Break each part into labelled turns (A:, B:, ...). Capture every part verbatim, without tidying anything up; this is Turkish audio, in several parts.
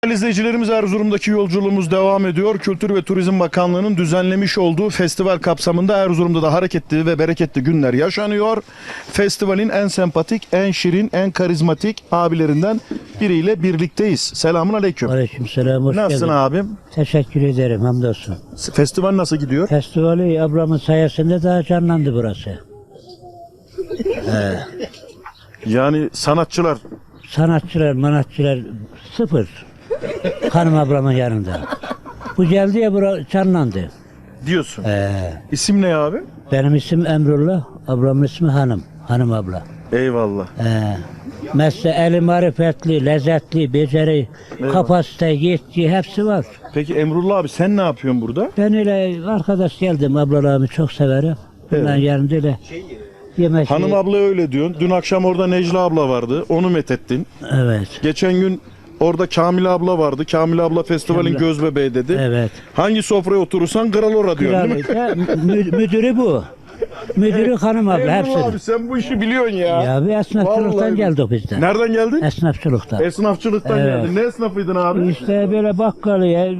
A: Değerli izleyicilerimiz, Erzurum'daki yolculuğumuz devam ediyor. Kültür ve Turizm Bakanlığı'nın düzenlemiş olduğu festival kapsamında Erzurum'da da hareketli ve bereketli günler yaşanıyor. Festivalin en sempatik, en şirin, en karizmatik abilerinden biriyle birlikteyiz. Selamun aleyküm.
B: Aleykümselam, hoş
A: Nasılsın
B: geldin.
A: abim?
B: Teşekkür ederim, hamdolsun.
A: Festival nasıl gidiyor?
B: Festivali ablamın sayesinde daha canlandı burası.
A: Yani sanatçılar
B: Sanatçılar, manatçılar sıfır. Hanım ablamın yanında. Bu geldi ya bura canlandı.
A: diyorsun.
B: Ee,
A: İsim ne abi?
B: benim isim Emrullah, ablamın ismi Hanım. Hanım abla.
A: Eyvallah.
B: Ee, mesle eli marifetli, lezzetli, beceri, kapasite, yetki hepsi var.
A: Peki Emrullah abi, sen ne yapıyorsun burada?
B: Ben öyle arkadaş geldim, ablalarımı çok severim. Bunların
A: Evet.
B: yanında öyle yemek.
A: Hanım abla öyle diyorsun. Dün akşam orada Necla abla vardı. Onu methettin.
B: Evet.
A: Geçen gün orada Kamil abla vardı. Kamil abla festivalin
B: Kamil-
A: gözbebeği dedi.
B: Evet.
A: Hangi sofraya oturursan kral ora diyorsun değil mi?
B: Kral- mü- müdürü bu. Müdürü hanım abla
A: Emrullah
B: hepsini.
A: abi, sen bu işi biliyorsun ya.
B: Ya bir esnafçılıktan
A: Vallahi.
B: geldik biz de.
A: Nereden geldin?
B: Esnafçılıktan.
A: Esnafçılıktan
B: Evet.
A: geldin. Ne esnafıydın abi?
B: İşte böyle bakkalıya,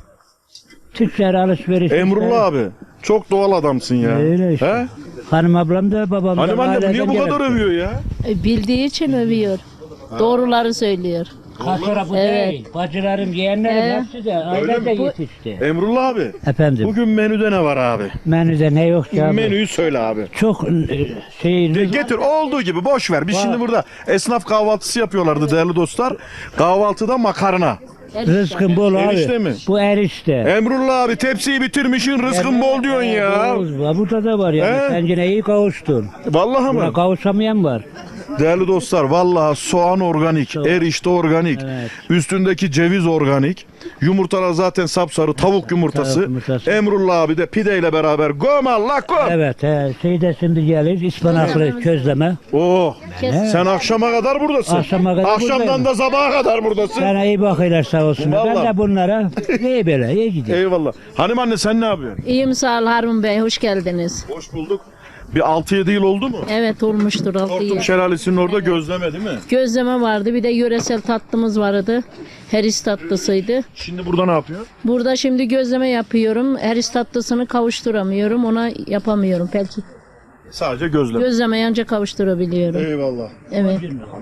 B: tüccar alışveriş.
A: Emrullah abi, çok doğal adamsın ya.
B: Öyle işte.
A: He?
B: Hanım ablam da babam da
A: Hanım annem niye
B: aileden
A: bu kadar
B: gelip-
A: övüyor ya?
C: E, Bildiği için övüyor. Doğruları söylüyor.
B: Kasora bu
C: Evet.
B: değil. Bacılarım, yeğenlerim
C: Evet.
B: hepsi de ailede
C: Bu-
B: yetişti.
A: Emrullah abi,
B: Efendim,
A: bugün menüde ne var abi?
B: menüde ne yok ya?
A: Menüyü söyle abi.
B: Çok e, şey,
A: De getir olduğu gibi, boş ver. Biz
B: Var.
A: şimdi burada esnaf kahvaltısı yapıyorlardı değerli dostlar. Kahvaltıda makarna.
B: rızkın bol abi.
A: Erişte mi?
B: Bu erişte.
A: Emrullah abi, tepsiyi bitirmişsin, rızkın bol diyorsun ya.
B: Bol. Burada da var yani.
A: He?
B: Sen yine iyi kavuştun.
A: Vallahi
B: Buna
A: mı?
B: kavuşamayan var.
A: Değerli dostlar, vallahi soğan organik, erişte organik,
B: Evet.
A: üstündeki ceviz organik, yumurtalar zaten sapsarı, tavuk yumurtası.
B: Tavuk yumurtası.
A: Emrullah abi de pideyle beraber göm Allah göm.
B: Evet, he, şey de şimdi gelir, ıspanaklı közleme.
A: Oh,
C: Kes.
A: sen akşama kadar buradasın.
B: Akşama kadar
A: Akşamdan
B: buradayım.
A: da sabaha kadar buradasın.
B: Sana iyi bakıyorlar sağ olsun.
A: Vallahi.
B: Ben de bunlara iyi böyle, iyi gidiyor.
A: Eyvallah. Hanım anne, sen ne yapıyorsun?
C: İyiyim, sağ ol Harun Bey, hoş geldiniz.
A: Hoş bulduk. Bir altı yedi yıl oldu mu?
C: Evet, olmuştur altı
A: Hortum
C: yıl.
A: Şelalesi'nin orada gözleme değil mi?
C: Gözleme vardı, bir de yöresel tatlımız vardı. Heris tatlısıydı.
A: Şimdi burada ne yapıyor?
C: Burada şimdi gözleme yapıyorum. Heris tatlısını kavuşturamıyorum, ona yapamıyorum. Belki
A: Sadece gözleme.
C: gözleme ancak kavuşturabiliyorum.
A: Eyvallah.
C: Evet.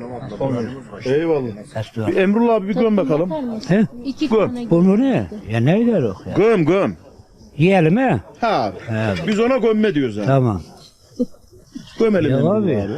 A: Eyvallah. Bir Emrullah abi bir göm bakalım.
B: He?
C: İki
A: Gör.
C: tane
B: Bu ne? Ya ne gider o ya?
A: Göm göm.
B: Yiyelim he?
A: Ha abi.
B: He.
A: Biz ona gömme diyoruz yani.
B: Tamam.
A: Gömelim
B: Ya
A: Emrullah
B: abi.
A: abi.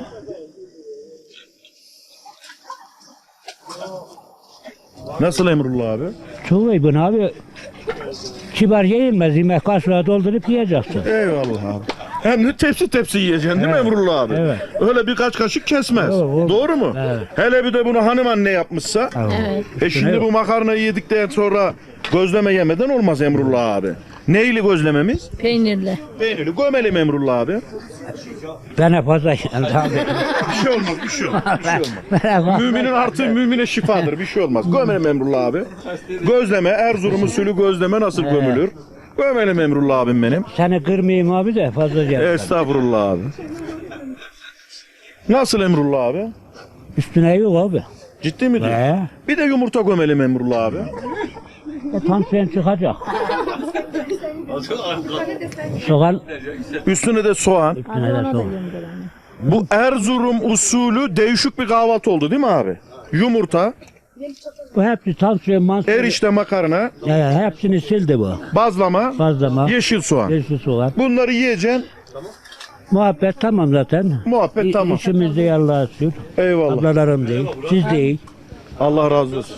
A: Nasıl Emrullah abi?
B: Çok iyi bunu abi. Kibar yenilmez, yemek kaşığa doldurup yiyeceksin.
A: Eyvallah abi. Hem de tepsi tepsi yiyeceksin değil mi
B: Evet.
A: Emrullah abi?
B: Evet.
A: Öyle birkaç kaşık kesmez.
B: Doğru, doğru.
A: Doğru mu?
B: Evet.
A: Hele bir de bunu hanım anne yapmışsa.
C: Evet.
A: E şimdi bu makarnayı yedikten sonra gözleme yemeden olmaz Emrullah abi. Neyli gözlememiz?
C: peynirli.
A: Peynirli. Gömelim Emrullah abi.
B: Bana fazla geldi abi.
A: Bir şey olmaz, bir şey olmaz. Bir şey olmaz.
B: Bana fazla-
A: Müminin artığı mümine şifadır. Bir şey olmaz. Gömelim Emrullah abi. Gözleme, Erzurum usulü gözleme nasıl gömülür? Gömelim Emrullah abim benim.
B: Seni kırmayayım abi de fazla geldi.
A: Estağfurullah abi. Nasıl Emrullah abi?
B: Üstüne yok abi.
A: Ciddi mi diyorsun?
B: He.
A: Bir de yumurta gömelim Emrullah abi.
B: E, tansiyon çıkacak. Soğan
A: Üstüne de soğan.
B: üstüne de soğan.
A: Bu Erzurum usulü değişik bir kahvaltı oldu değil mi abi? Yumurta,
B: Bu hepsi tansiyon mansiyon.
A: erişte makarna,
B: Ya, hepsini sildi bu.
A: bazlama,
B: Fazlama.
A: yeşil soğan.
B: Yeşil soğan.
A: Bunları yiyeceksin.
B: Muhabbet tamam zaten.
A: Muhabbet
B: İ-
A: tamam.
B: İşimiz de Allah'a şükür.
A: Eyvallah.
B: Ablalarım değil. Siz değil.
A: Allah razı olsun.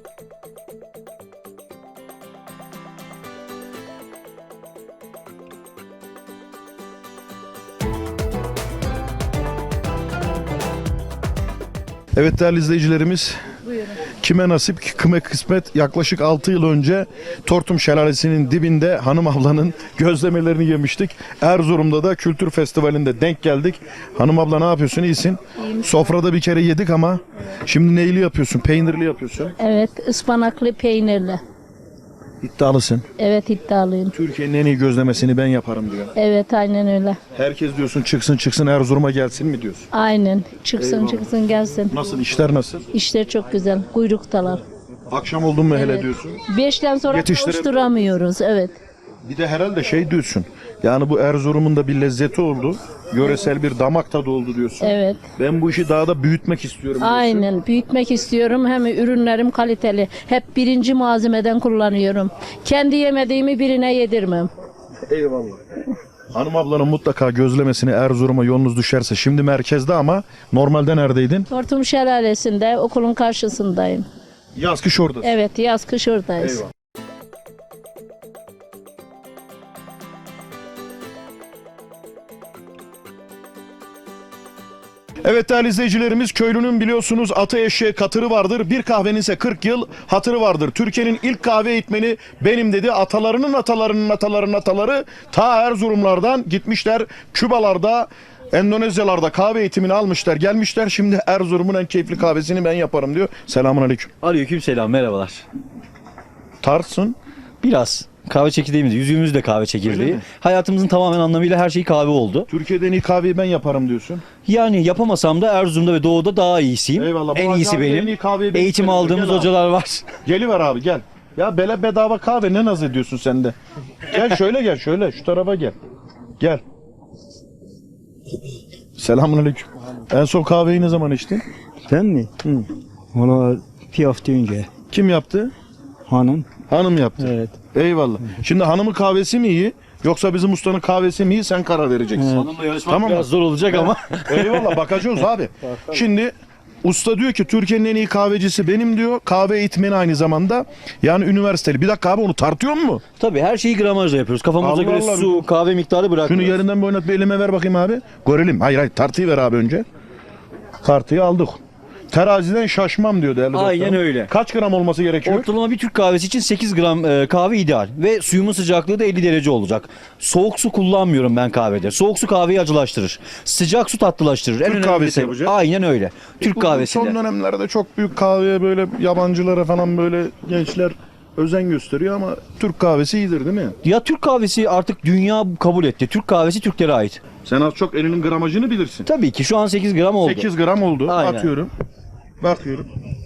A: Evet değerli izleyicilerimiz, kime nasip kime kısmet, yaklaşık altı yıl önce Tortum Şelalesi'nin dibinde hanım ablanın gözlemelerini yemiştik. Erzurum'da da kültür festivalinde denk geldik. Hanım abla ne yapıyorsun, iyisin? Sofrada bir kere yedik ama şimdi neyli yapıyorsun, peynirli yapıyorsun.
C: Evet, ıspanaklı peynirli.
A: İddialısın.
C: Evet, iddialıyım.
A: Türkiye'nin en iyi gözlemesini ben yaparım diyor.
C: Evet, aynen öyle.
A: Herkes diyorsun çıksın çıksın Erzurum'a gelsin mi diyorsun?
C: Aynen. Çıksın
A: Eyvallah.
C: çıksın gelsin.
A: Nasıl, işler nasıl?
C: İşler çok güzel. Kuyruktalar.
A: Akşam oldun mu hele
C: Evet.
A: diyorsun.
C: Beşten sonra
A: Yetiştirem-
C: kavuşturamıyoruz. Evet.
A: Bir de herhalde şey diyorsun. Yani bu Erzurum'un da bir lezzeti oldu. Yöresel bir damak tadı oldu diyorsun.
C: Evet.
A: Ben bu işi daha da büyütmek istiyorum diyorsun.
C: Aynen. Büyütmek istiyorum. Hem ürünlerim kaliteli. Hep birinci malzemeden kullanıyorum. Kendi yemediğimi birine yedirmem.
A: Eyvallah. Hanım ablanın mutlaka gözlemesini Erzurum'a yolunuz düşerse. Şimdi merkezde ama normalde neredeydin?
C: Tortum Şelalesi'nde okulun karşısındayım.
A: Yaz kış oradasın.
C: Evet, yaz kış oradayız.
A: Eyvallah. Evet değerli izleyicilerimiz, köylünün biliyorsunuz atı eşeği katırı vardır. Bir kahvenin ise kırk yıl hatırı vardır. Türkiye'nin ilk kahve eğitmeni benim dedi. Atalarının atalarının atalarının ataları ta Erzurumlardan gitmişler. Kübalarda, Endonezyalarda kahve eğitimini almışlar, gelmişler. Şimdi Erzurum'un en keyifli kahvesini ben yaparım diyor. Selamun aleyküm.
D: Aleykümselam, merhabalar.
A: Tarsın.
D: Biraz kahve çekirdeğimiz, yüzüğümüz de kahve
A: Öyle
D: çekirdeği.
A: mi?
D: Hayatımızın tamamen anlamıyla her şey kahve oldu.
A: Türkiye'de en iyi kahveyi ben yaparım diyorsun.
D: Yani yapamasam da Erzurum'da ve Doğu'da daha iyisiyim.
A: Eyvallah. Bu
D: En iyisi
A: acayip en
D: benim.
A: iyi kahveyi ben
D: Eğitim
A: içerim.
D: aldığımız
A: Gel abi.
D: hocalar var.
A: Geliver abi gel. Ya bele bedava kahve ne naz ediyorsun sen de. Gel şöyle gel şöyle şu tarafa gel. Gel. Selamünaleyküm. En son kahveyi ne zaman içtin?
E: Ben mi? Hı. Valla bir hafta önce
A: Kim yaptı?
E: hanım.
A: Hanım yaptı.
E: Evet.
A: Eyvallah. Şimdi hanımın kahvesi mi iyi yoksa bizim ustanın kahvesi mi iyi sen karar vereceksin.
D: Hanımla yarışmak
A: Tamam mı?
D: biraz zor olacak ama.
A: Eyvallah bakacağız abi. Şimdi usta diyor ki Türkiye'nin en iyi kahvecisi benim diyor. Kahve eğitmeni aynı zamanda. Yani üniversiteli. Bir dakika abi onu tartıyor mu?
D: Tabii her şeyi gramajla yapıyoruz. Kafamıza
A: Allah
D: göre
A: Allah.
D: su, kahve miktarı
A: Şunu
D: bırakmıyoruz.
A: yerinden bir oynat bir elime ver bakayım abi. Görelim. Hayır hayır tartıyı ver abi önce. Tartıyı aldık. Teraziden şaşmam diyor değerli
D: Aynen
A: dostlarım.
D: öyle.
A: Kaç gram olması gerekiyor?
D: Ortalama bir Türk kahvesi için sekiz gram e, kahve ideal ve suyumun sıcaklığı da elli derece olacak. Soğuk su kullanmıyorum ben kahvede. Soğuk su kahveyi acılaştırır. Sıcak su tatlılaştırır. En
A: Türk
D: önemli
A: kahvesi
D: detay-
A: yapacak.
D: Aynen öyle. Türk
A: Bu
D: kahvesinde.
A: Son dönemlerde çok büyük kahveye böyle yabancılara falan böyle gençler özen gösteriyor ama Türk kahvesi iyidir değil mi?
D: Ya Türk kahvesi artık dünya kabul etti. Türk kahvesi Türklere ait.
A: Sen az çok elinin gramajını bilirsin.
D: Tabii ki şu an sekiz gram oldu.
A: sekiz gram oldu.
D: Aynen.
A: Atıyorum. Bakıyorum.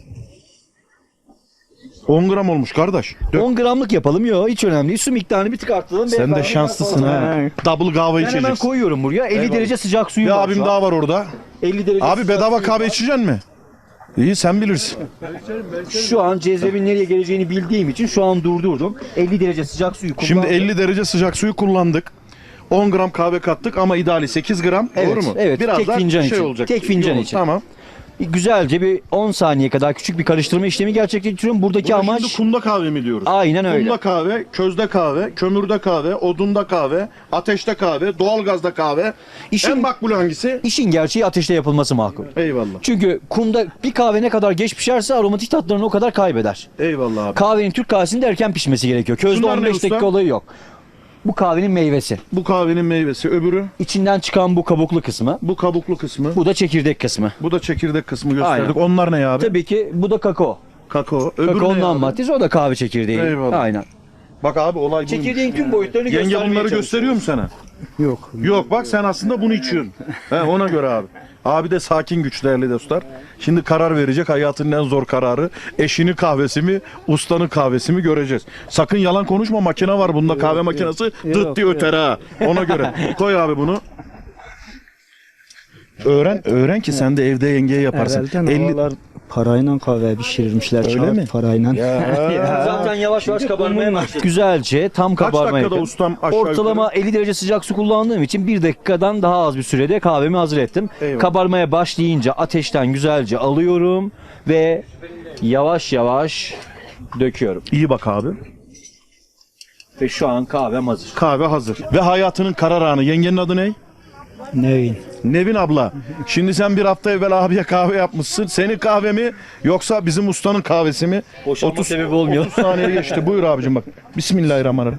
A: on gram olmuş kardeş. Dök.
D: on gramlık yapalım. Yok hiç önemli değil. Su miktarını bir tık arttıralım.
A: Sen de
D: Beyefendi,
A: şanslısın
D: ben-
A: ha. Double kahve
D: Ben hemen
A: içeceksin.
D: koyuyorum buraya. elli
A: Eyvallah.
D: derece sıcak suyum
A: Bir
D: var.
A: abim
D: şu an.
A: daha var orada.
D: elli derece
A: Abi
D: sıcak
A: bedava
D: suyum
A: kahve
D: var.
A: içeceksin mi? İyi sen bilirsin.
D: Şu an cezvemin nereye geleceğini bildiğim için şu an durdurdum. elli derece sıcak suyu kullandım.
A: Şimdi elli derece sıcak suyu kullandık. on gram kahve kattık ama ideali sekiz gram.
D: Evet,
A: Doğru mu?
D: evet.
A: Biraz
D: Tek
A: da
D: fincan
A: şey
D: için.
A: olacak.
D: Tek fincan
A: Yoğun,
D: için.
A: Tamam.
D: Güzelce bir on saniye kadar küçük bir karıştırma işlemi gerçekleştiriyorum. Buradaki
A: Buna
D: amaç
A: şimdi kunda kahve mi diyoruz?
D: aynen öyle.
A: Kunda kahve, közde kahve, kömürde kahve, odunda kahve, ateşte kahve, doğalgazda kahve.
D: İşin-
A: En makbulü hangisi?
D: İşin gerçeği ateşte yapılması makul.
A: Eyvallah.
D: Çünkü kumda bir kahve ne kadar geç pişerse aromatik tatlarını o kadar kaybeder.
A: Eyvallah abi.
D: Kahvenin Türk kahvesinde erken pişmesi gerekiyor. Közde
A: Şunlar ne
D: on beş
A: usta?
D: dakika olayı yok. Bu kahvenin meyvesi.
A: Bu kahvenin meyvesi. Öbürü
D: İçinden çıkan bu kabuklu kısmı.
A: bu kabuklu kısmı.
D: Bu da çekirdek kısmı.
A: Bu da çekirdek kısmı gösterdik.
D: Aynen.
A: Onlar ne abi?
D: Tabii ki bu da kakao.
A: Kakao. Öbürü
D: Kakaonun
A: ne
D: ham
A: abi?
D: maddesi o da kahve çekirdeği.
A: Eyvallah.
D: Aynen.
A: Bak abi olay buymuş.
D: Çekirdeğin tüm boyutlarını
A: Yenge
D: göstermeye
A: bunları
D: çalışıyorum.
A: gösteriyor mu sana?
E: Yok.
A: Yok bak sen aslında bunu içiyorsun. He, ona göre abi. Abi de sakin güç değerli dostlar. Şimdi karar verecek hayatının en zor kararı. Eşinin kahvesi mi, ustanın kahvesi mi göreceğiz. Sakın yalan konuşma makine var bunda kahve makinesi dıt
E: Yok,
A: diye
E: yok.
A: öter ha. Ona göre. Koy abi bunu. Öğren, öğren ki sen de evde yengeye yaparsın.
E: Evvelden
A: elli
E: havalar parayla kahve pişirirmişler.
A: Öyle
E: kağıt
A: mi?
E: Parayla.
D: Zaten yavaş yavaş kabarmaya başladı. Güzelce tam
A: Kaç
D: kabarmaya
A: dakikada
D: yakın.
A: ustam aşağı
D: Ortalama elli derece sıcak su kullandığım için bir dakikadan daha az bir sürede kahvemi hazır ettim.
A: Eyvallah.
D: Kabarmaya başlayınca ateşten güzelce alıyorum ve yavaş yavaş döküyorum.
A: İyi bak abi.
D: Ve şu an kahvem hazır.
A: Kahve hazır. Ve hayatının karar anı. Yengenin adı ne?
E: Nevin.
A: Nevin abla. Şimdi sen bir hafta evvel abiye kahve yapmışsın. Senin kahve mi yoksa bizim ustanın kahvesi mi?
D: Boşanma sebebi olmuyor.
A: otuz saniye geçti. Buyur abicim bak. Bismillahirrahmanirrahim.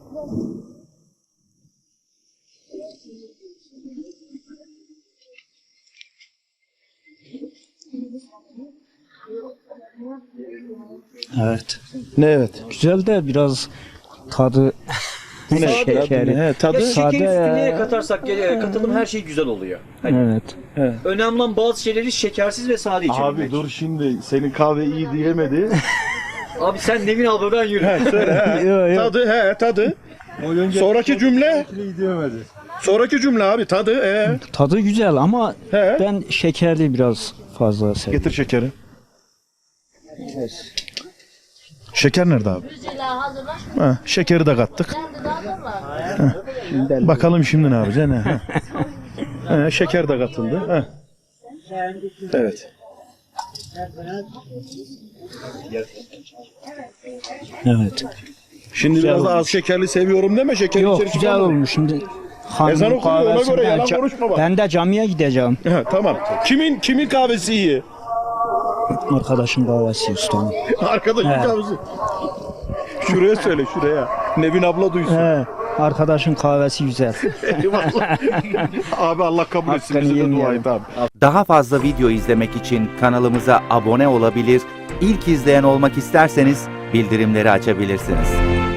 E: Evet.
A: Ne evet?
E: Güzel de biraz tadı şekeri.
A: He, tadı.
D: Ya
E: Sade
D: şekeri üstüne
E: ya.
D: neye katarsak e, katalım her şey güzel oluyor. Hani
E: Evet.
D: önemli olan bazı şeyleri şekersiz ve sade içebilmek.
A: Abi dur şimdi senin kahve iyi diyemedi.
D: Abi sen Nevin abla ben yürü.
A: He, söyle he.
E: Yok, yok.
A: Tadı he tadı. Sonraki cümle. Sonraki cümle abi tadı he.
E: Tadı güzel ama
A: He.
E: ben şekerli biraz fazla seviyorum.
A: Getir şekeri. Şeker nerede abi? Ha, şekeri de kattık. Heh. Bakalım şimdi ne yapacağız? Ne? Ha. Ha, şeker de katıldı. Ha. Evet.
E: Evet.
A: Şimdi biraz da az şekerli seviyorum deme. Şeker
E: Yok
A: içeri
E: güzel
A: çıkarma.
E: olmuş şimdi.
A: Ezan
E: Hanımın
A: okunuyor, ona
E: kahvesi
A: göre
E: ben
A: yalan
E: ca-
A: konuşma bak.
E: Ben de camiye gideceğim.
A: Ha, tamam. Kimin kimin kahvesi iyi?
E: Arkadaşın kahvesi ustam.
A: Arkadaşın
E: He.
A: kahvesi. Şuraya söyle şuraya. Nevin abla duysun.
E: He, arkadaşın kahvesi güzel.
A: Eyvallah. Abi Allah kabul etsin.
E: Hakkını
A: Bizi de dua
E: yemeyelim.
A: et abi.
F: Daha fazla video izlemek için kanalımıza abone olabilir, ilk izleyen olmak isterseniz bildirimleri açabilirsiniz.